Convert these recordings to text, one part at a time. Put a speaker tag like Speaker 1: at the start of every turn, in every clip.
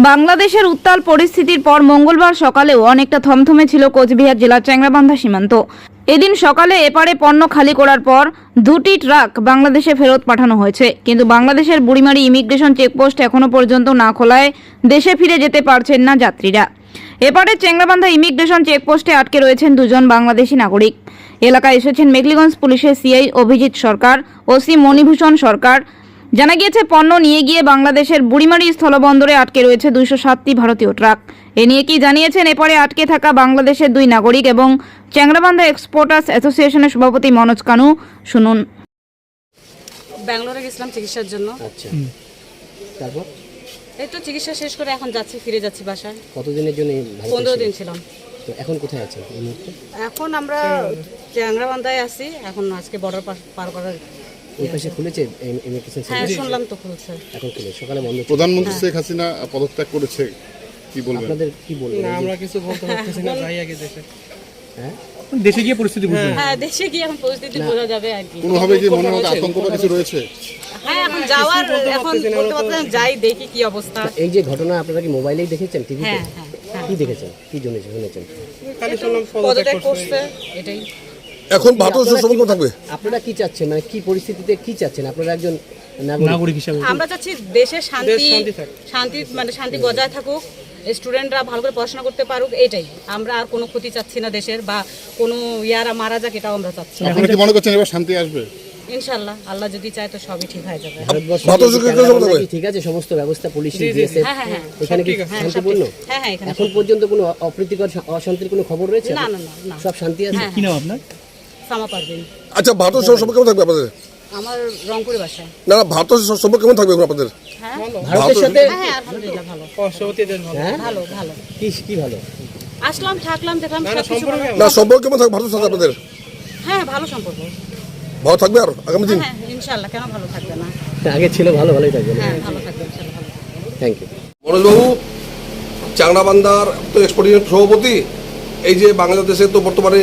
Speaker 1: বাংলাদেশের উত্তাল পরিস্থিতির পর মঙ্গলবার সকালেও অনেকটা থমথমে ছিল কোচবিহার জেলার চ্যাংড়াবান্ধা সীমান্ত। এদিন সকালে এপারে পণ্য খালি করার পর দুটি ট্রাক বাংলাদেশে ফেরত পাঠানো হয়েছে, কিন্তু বাংলাদেশের বুড়িমারি ইমিগ্রেশন চেকপোস্ট এখনো পর্যন্ত না খোলায় দেশে ফিরে যেতে পারছেন না যাত্রীরা। এপারে চ্যাংড়াবান্ধা ইমিগ্রেশন চেকপোস্টে আটকে রয়েছেন দুজন বাংলাদেশি নাগরিক। এলাকায় এসেছেন মেঘলিগঞ্জ পুলিশের সিআই অভিজিৎ সরকার, ওসি মণিভূষণ সরকার। জানা গিয়েছে, পণ্য নিয়ে গিয়ে বাংলাদেশের বুড়িমারি স্থলবন্দরে আটকে রয়েছে 207টি ভারতীয় ট্রাক। এ নিয়ে কি জানিয়েছেন এপারে আটকে থাকা বাংলাদেশের দুই নাগরিক এবং চ্যাংড়াবান্ধা এক্সপোর্টার্স অ্যাসোসিয়েশনের সভাপতি মনোজ কানু। শুনুন।
Speaker 2: ব্যাঙ্গালোরে গেছিলাম চিকিৎসার জন্য।
Speaker 3: আচ্ছা, তারপর
Speaker 2: এই তো চিকিৎসা শেষ করে এখন ফিরে যাচ্ছি বাসায়।
Speaker 3: কতদিনের জন্য
Speaker 2: 15 দিন ছিলাম।
Speaker 3: তো এখন কোথায় আছেন এই মুহূর্তে?
Speaker 2: এখন আমরা চ্যাংড়াবান্ধায় আছি। এখন আজকে বর্ডার পার করার
Speaker 3: ওই পাশে খুলেছে ইমিগ্রেশন
Speaker 2: হ্যাঁ,
Speaker 3: সার্ভিস?
Speaker 2: শুনলাম তো খুলছে।
Speaker 3: এখন খুলে সকালে বন্ধ ছিল।
Speaker 4: প্রধানমন্ত্রী শেখ হাসিনা পদত্যাগ করেছে, কি বলবেন?
Speaker 3: আপনাদের কি বলবেন?
Speaker 5: না, আমরা কিছু বলতে পারতেছি না, যাই আগে দেশে।
Speaker 3: হ্যাঁ,
Speaker 5: দেশে গিয়ে পরিস্থিতি বুঝবেন।
Speaker 2: হ্যাঁ, দেশে গিয়ে এখন পরিস্থিতি বোঝা যাবে আর কি।
Speaker 4: কোনোভাবে কি মনে হয় আতঙ্ক বা কিছু রয়েছে?
Speaker 2: হ্যাঁ, এখন যাওয়ার এখন বলতে পারতেন, যাই দেখি কি অবস্থা।
Speaker 3: এই যে ঘটনা আপনারা কি মোবাইলেই দেখেছেন, টিভিতে?
Speaker 2: হ্যাঁ হ্যাঁ,
Speaker 3: কি দেখেছেন, কি জন্য শুনেছেন?
Speaker 5: খালি শুনলাম
Speaker 2: পদত্যাগ করছে, এটাই।
Speaker 4: এখন ভারত সম্পর্ক থাকবে।
Speaker 3: আপনারা কি চাচ্ছেন, মানে কি পরিস্থিতিতে কি চাচ্ছেন? আপনারা একজন
Speaker 5: নাগরিক হিসেবে
Speaker 2: আমরা চাচ্ছি দেশে শান্তি
Speaker 5: শান্তি থাক।
Speaker 2: শান্তি বজায় থাকুক, স্টুডেন্টরা ভালো করে পড়াশোনা করতে পারুক, এটাই। আমরা আর কোনো ক্ষতি চাচ্ছি না দেশের, বা কোনো ইয়ারা মারা যাক, এটাও আমরা চাচ্ছি না।
Speaker 4: আপনারা কি মনে করছেন এবার শান্তি আসবে?
Speaker 2: ইনশাআল্লাহ, আল্লাহ যদি চায় তো সবই ঠিক হয়ে যাবে।
Speaker 3: ভারতবর্ষ ঠিক আছে, সমস্ত ব্যবস্থা পুলিশ দিয়েছে,
Speaker 2: হ্যাঁ হ্যাঁ হ্যাঁ,
Speaker 3: এখানে কি শান্তিপূর্ণ?
Speaker 2: হ্যাঁ হ্যাঁ, এখানে
Speaker 3: এখন পর্যন্ত কোনো অপ্রীতিকর অশান্তির কোনো খবর রয়েছে?
Speaker 2: না না না না,
Speaker 3: সব শান্তি আছে।
Speaker 5: কি নাম আপনার?
Speaker 2: সামা পারবেন।
Speaker 4: আচ্ছা, ভারত সম্পর্ক কেমন থাকবে আপনাদের?
Speaker 2: আমার রংপুরে বাসা।
Speaker 4: না, ভারত সম্পর্ক কেমন থাকবে আপনাদের?
Speaker 2: হ্যাঁ
Speaker 3: ভারতের সাথে
Speaker 2: হ্যাঁ, আলহামদুলিল্লাহ ভালো
Speaker 5: পার্শ্ববর্তী দেশ ভালো।
Speaker 2: ভালো ভালো।
Speaker 3: কি ভালো?
Speaker 2: আসলাম, থাকলাম, দেখলাম সবকিছু ভালো।
Speaker 4: না, সম্পর্ক কেমন থাকবে ভারতের সাথে আপনাদের?
Speaker 2: হ্যাঁ, ভালো সম্পর্ক।
Speaker 4: ভালো থাকবে আর আগামী দিন?
Speaker 2: হ্যাঁ ইনশাআল্লাহ, কেন ভালো থাকবে না?
Speaker 3: আগে ছিল ভালোই থাকবে।
Speaker 2: হ্যাঁ, ভালো থাকবে ইনশাআল্লাহ, ভালো থাকবে।
Speaker 3: Thank you.
Speaker 4: মনোজবাবু, চ্যাংড়াবান্ধার তো এক্সপোর্টিং সভাপতি, এই যে বাংলাদেশে তো বর্তমানে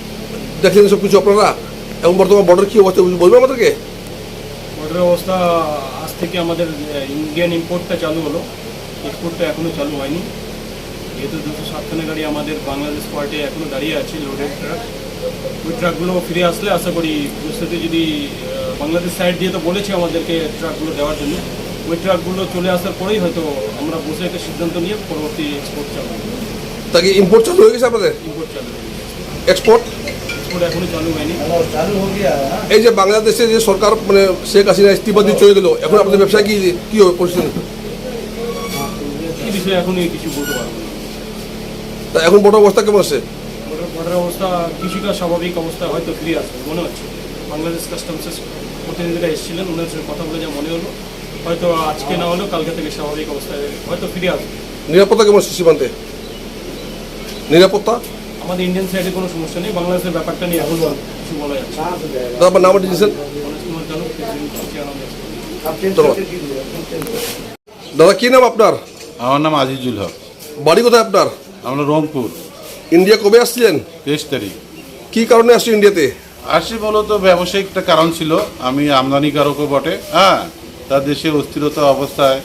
Speaker 4: দেখলেন সব কিছু আপনারা, এবং বর্তমান বর্ডার কি অবস্থা বলবেন আমাদেরকে?
Speaker 6: বর্ডারের অবস্থা আজ থেকে আমাদের ইন্ডিয়ান ইম্পোর্টটা চালু হলো, এক্সপোর্টটা এখনও চালু হয়নি। যেহেতু 207খানা গাড়ি আমাদের বাংলাদেশ পার্টে এখনও দাঁড়িয়ে আছে, লোডেড ট্রাক। ওই ট্রাকগুলো ফিরে আসলে আশা করি পরিস্থিতি যদি বাংলাদেশ সাইড দিয়ে তো বলেছে আমাদেরকে ট্রাকগুলো দেওয়ার জন্য, ওই ট্রাকগুলো চলে আসার পরেই হয়তো আমরা বসে একটা সিদ্ধান্ত নিয়ে পরবর্তী এক্সপোর্ট চালু হবে।
Speaker 4: তাকে ইম্পোর্ট চালু হয়ে গেছে আপনাদের?
Speaker 6: ইম্পোর্ট চালু হয়ে গেছে,
Speaker 4: এক্সপোর্ট
Speaker 6: এখনও চালু হয়নি।
Speaker 4: এই যে বাংলাদেশে যে সরকার মানে শেখ হাসিনা ইস্তিফা দিয়ে চলে গেল, এখন আপনাদের ব্যবসা কি হবে পরিস্থিতি?
Speaker 6: এই বিষয়ে এখনই কিছু বলতে পারবো না।
Speaker 4: তা এখন বড় অবস্থা কেমন আছে?
Speaker 6: বর্ডারের অবস্থা কিছুটা স্বাভাবিক অবস্থায় হয়তো ফিরে আসবে মনে হচ্ছে। বাংলাদেশ কাস্টমসের প্রতিনিধিরা এসেছিলেন, ওনার সঙ্গে কথা বলে যা মনে হলো, হয়তো আজকে না হলেও কালকে থেকে স্বাভাবিক অবস্থায় হয়তো ফিরে আসবে।
Speaker 4: নিরাপত্তা কেমন আছে সীমান্তে? নিরাপত্তা
Speaker 6: আমাদের ইন্ডিয়ান সাইডে কোনো সমস্যা নেই, বাংলাদেশের ব্যাপারটা নিয়ে এখন কিছু বলা যাচ্ছে না।
Speaker 4: তারপর নাম দিয়েছেন
Speaker 6: মনোজ কুমার জানো,
Speaker 4: দাদা, কি নাম আপনার?
Speaker 7: আমার নাম আজিজুল হক।
Speaker 4: বাড়ি কোথায় আপনার?
Speaker 7: আমরা রংপুর।
Speaker 4: ইন্ডিয়া কবে আসছিলেন?
Speaker 7: 23 তারিখ
Speaker 4: কি কারণে আসছেন ইন্ডিয়াতে?
Speaker 7: আসি মূলত ব্যবসায়িক একটা কারণ ছিল, আমি আমদানিকারকও বটে। হ্যাঁ, তার দেশে অস্থিরতা অবস্থায়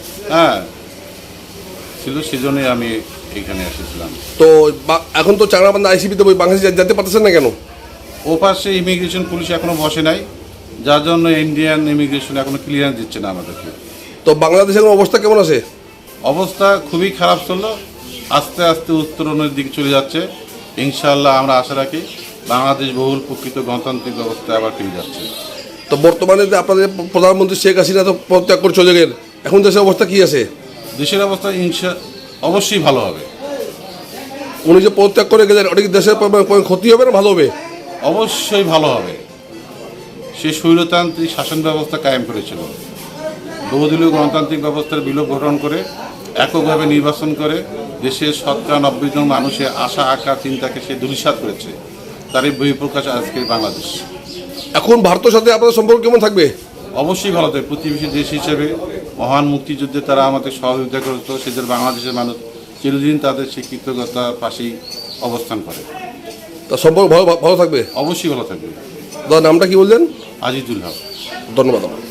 Speaker 7: ছিল, সেজন্যই আমি এখানে এসেছিলাম।
Speaker 4: তো এখন তো চ্যাংড়াবান্ধা আইসিপিতে বাংলাদেশে যেতে পারতেছেন না কেন?
Speaker 7: ও পাশে ইমিগ্রেশন পুলিশ এখনো বসে নাই, যার জন্য ইন্ডিয়ান ইমিগ্রেশন এখনো ক্লিয়ারেন্স দিচ্ছে না আমাদেরকে।
Speaker 4: তো বাংলাদেশের এখন অবস্থা কেমন আছে?
Speaker 7: অবস্থা খুবই খারাপ ছিল, আস্তে আস্তে উত্তরণের দিকে চলে যাচ্ছে। ইনশাআল্লাহ আমরা আশা রাখি বাংলাদেশ বহুল প্রকৃত গণতান্ত্রিক ব্যবস্থায় আবার ফিরে যাচ্ছে।
Speaker 4: তো বর্তমানে যে আপনাদের প্রধানমন্ত্রী শেখ হাসিনা তো পদত্যাগ করে চলে গেলেন, এখন দেশের অবস্থা কি আছে?
Speaker 7: দেশের অবস্থা অবশ্যই ভালো হবে।
Speaker 4: উনি যে পদত্যাগ করে গেলেন, ওটা কি দেশের ক্ষতি হবে না ভালো হবে?
Speaker 7: অবশ্যই ভালো হবে। সে স্বৈরতান্ত্রিক শাসন ব্যবস্থা কায়েম করেছিল, বহুদলীয় গণতান্ত্রিক ব্যবস্থার বিলোপ ঘটন করে এককভাবে নির্বাচন করে দেশের 90% মানুষের আশা আকাঙ্ক্ষা চিন্তাকে সে ধূলিসাৎ করেছে। তারই বহিঃপ্রকাশ আজকের বাংলাদেশ।
Speaker 4: এখন ভারতের সাথে আপনাদের সম্পর্ক কেমন থাকবে?
Speaker 7: অবশ্যই ভালো থাকবে। প্রতিবেশী দেশ হিসেবে মহান মুক্তিযুদ্ধে তারা আমাদের সহযোগিতা করত, সেদের বাংলাদেশের মানুষ চিরদিন তাদের সেই কৃতজ্ঞতার পাশেই অবস্থান করে।
Speaker 4: তা সম্পর্ক ভালো থাকবে?
Speaker 7: অবশ্যই ভালো থাকবে।
Speaker 4: দাদা, নামটা কি বললেন?
Speaker 7: আজিজুল হক।
Speaker 4: ধন্যবাদ।